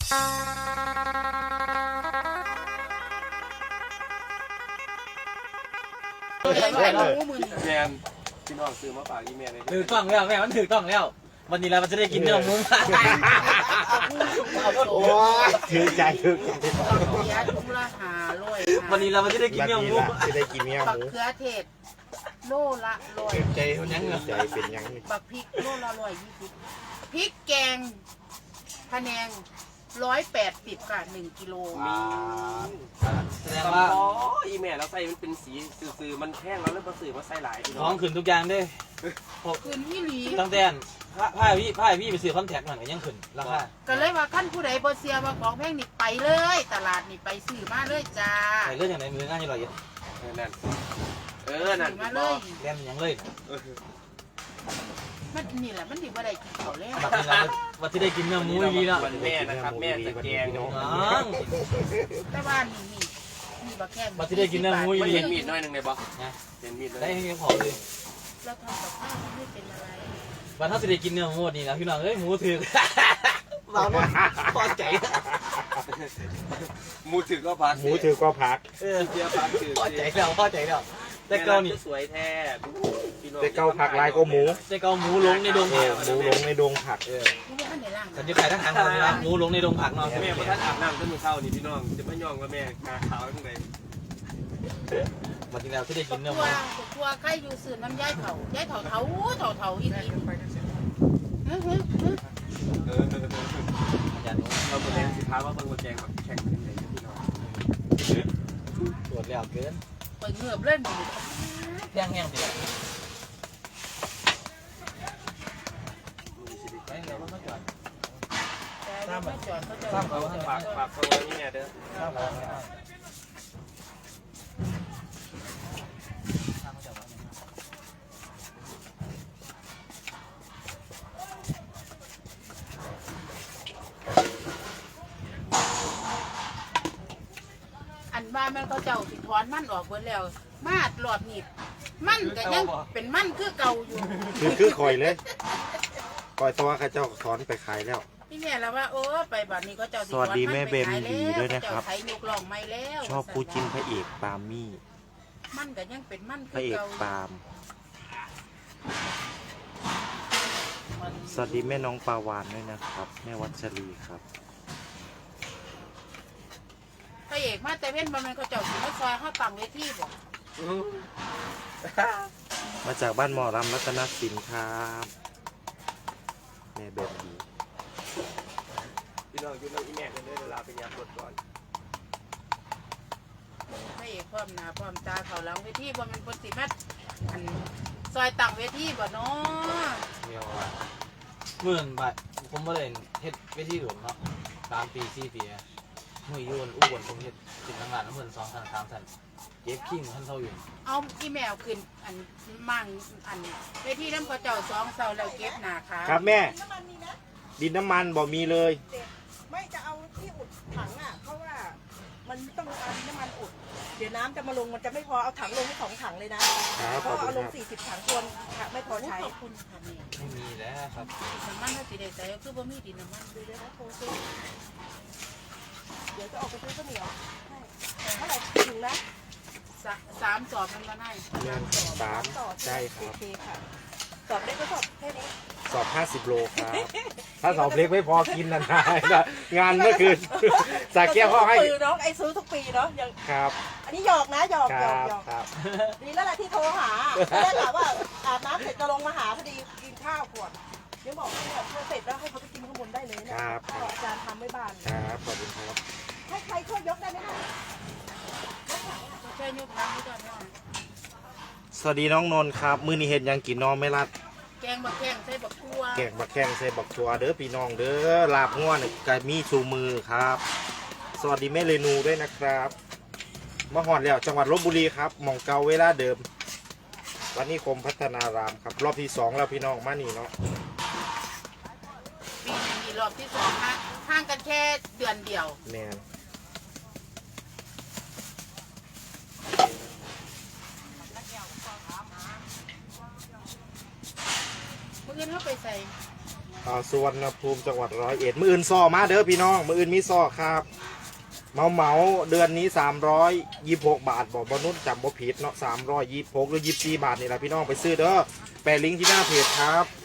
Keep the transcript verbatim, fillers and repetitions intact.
แม่พี่น้องซื้อมาฝากอีเมลเลยถือต้องแล้วแม่มันถือต้องแล้ววันนี้เราจะได้กินเนื้อหมูโอ้ถือใจถือใจวันนี้เราจะได้กินเนื้อหมูจะได้กินเนื้อหมูบักเขือเทศโลละร้อยใจยังใจเป็นยังบักพริกโลละร้อยยี่สิบพริกแกงพะแนงร้อยแปดสิบค่ะหนึ่งกิโลแสดงว่าอ๋ออีเมลแล้วใส่มันเป็นสีสื่อมันแห้งแล้วเริ่มสื่อมาใส่หลายท้องขึ้นทุกอย่างด้วยขึ้นที่หลีตั้งแต่ผ้าผ้าพี่ผ้าพี่ไปซื้อคอนแทคหน่อยยังขึ้นราคาก็เลยว่าขั้นผู้ใดบ่เสียว่าของแพงนี่ไปเลยตลาดนี่ไปซื้อมาเลยจ้าไปเรื่องอย่างไรมือง่ายอร่อยเออนั่นเออนั่นมาเลยเล่นยังเลยมันนี่แหละมันดีบ่ได้กินเขาแล้ววันที่ได้กินเนื้อหมูดีแล้ววันแม่นะครับแม่จะแกงน้องแต่ว่านี่นี่นี่บักแข้งวันที่ได้กินเนื้อหมูดีเห็นมีดน้อยหนึ่งเลยปะเห็นมีดได้ให้พอเลยเราทำกับข้าวไม่เป็นอะไรวันถ้าจะได้กินเนื้อหมูนี่นะพี่น้องเอ้ยหมูถือเราพอใจหมูถือก็พักหมูถือก็พักเออเจียพักถือพอใจแล้วพอใจแล้วแต่เกานี่สวยแท้แต่เกาผักลายก็หมูแต่เกาหมูลงในดงผักหมูลงในดงผักเออฉันจะขายทหารนะหมูลงในดงผักเนาะแม่พอท่านอาบน้ำต้นมือเศร้านี่พี่น้องจะไม่ยอมว่าแม่กาขาวทั้งใดวันที่แล้วที่ได้กินเนื้อหมูตัวใครอยู่สื่อน้ำย่ายเถาย่ายเถาเถาเถาเถาอีกทีเราหมดแรงสิท้าว่าบางคนแจงแบบแข่งกันเลยพี่น้องตรวจแล้วเกินเปิดเงือบเล่นแห้งแห้งดีทราบไหมจอดเขาจะทราบเขาฝากฝากฟังไว้นี่ไงเด้อทราบแล้วอันบ้ามันเขาเจ้าสิถอนมันออกเบิดแล้วมาดหลอดหนีบมันก็ยังเป็นมันคือเก่าอยู่คือคือคอยเลยคอยตัวข้าเจ้าถอนไปขายแล้วพี่แม่แล้วว่าโอ้ไปบัดนี้ก็เจ้าสวัสดีแม่เบมดีด้วยนะครับชอบคู่จิ้นพระเอกปาล์มมี่มันก็ยังเป็นมันพระเอกปาล์มสวัสดีแม่น้องปาวานด้วยนะครับแม่วัชรีครับพระเอกมาแต่เว้นมันเขาเจ้าสิมาซอยเขาตั้งเวทีบ่มาจากบ้านหมอรำรัตนสินครับแม่แบบดีพี่น้องอยู่น้องอีแม่กันด้วยเวลาไปยามรถก่อนพระเอกพร้อมหน้าพร้อมตาเขาหลังเวทีบ่มันคนสิมาอันซอยตั้งเวทีบ่เนาะเดี๋ยวว่าหมื่นบาทผมไม่ได้เฮ็ดเวทีหลวงเนาะสามปีสี่ปีมือยุ่นอู้บนผมเฮ็ดสิบทางงานน้ำเงินสองพันสามพันเก็บขิ้งท่านเท่าอยู่เอาอีเมลขึ้นอันมั่งอันเวทีน้ำกระเจ้าสองเสาแล้วเก็บหนาค่ะครับแม่ดินน้ำมันบ่มีเลยไม่จะเอาที่อุดถังอ่ะเพราะว่ามันต้องการน้ำมันอุดเดี๋ยวน้ำจะมาลงมันจะไม่พอเอาถังลงให้สองถังเลยนะเพราะเอาลงสี่สิบถังควรไม่พอใช้ขอบคุณค่ะนี่ไม่มีแล้วครับน้ำมันถ้าสีแดงใสคือบ่มีดินน้ำมันดูเลยนะโทรซื้อเดี๋ยวจะออกไปซื้อข้าวเหนียวเท่าไหร่ถึงนะสามสอบมันมาได้สามใช่ครับโอเคค่ะสอบได้ก็สอบแค่นี้สอบห้าสิบโลครับถ้าสอบเล็กไม่พอกินนะนายงานเมื่อคืนสาแก้วเขาให้น้องไอซื้อทุกปีเนาะยังครับอันนี้หยอกนะหยอกหยอกหยอกครับดีแล้วแหละที่โทรหาได้ถามว่าอาบน้ำเสร็จจะลงมาหาพอดีกินข้าวก่อนเดี๋ยวบอกเนี่ยพอเสร็จแล้วให้เขาไปกินข้างบนได้เลยนะครับอาจารย์ทำไม่บานครับขอบคุณครับให้ใครช่วยยกได้ไหมคะช่วยยกถังให้ก่อนนะสวัสดีน้องนนท์ครับมื้อนี้เห็ดยังกินน้องไม่รัดแกงบักแข้งใส่บักทัวแกงบักแข้งใส่บักทัวเด้อพี่น้องเด้อลาบง่วนกายมีชูมือครับสวัสดีแม่เรนูด้วยนะครับมาหอดแล้วจังหวัดลพบุรีครับหม่องเก่าเวลาเดิมวันนี้คมพัฒนารามครับรอบที่สองแล้วพี่น้องมานี่เนาะปีนี้มีรอบที่สองนะห่างกันแค่เดือนเดียวแม่เมื่อกี้เขาไปใส่ไปอ่าสุวรรณภูมิจังหวัดร้อยเอ็ดมืออื่นซอมาเด้อพี่น้องมืออื่นมีซอครับเมาเมาเดือนนี้สามร้อยยี่สิบหกบาทบอกบนุษจำบ่ผิดเนาะสามร้อยยี่สิบหกหรือยี่สิบสี่บาทนี่แหละพี่น้องไปซื้อเด้อแปะลิงก์ที่หน้าเพจครับ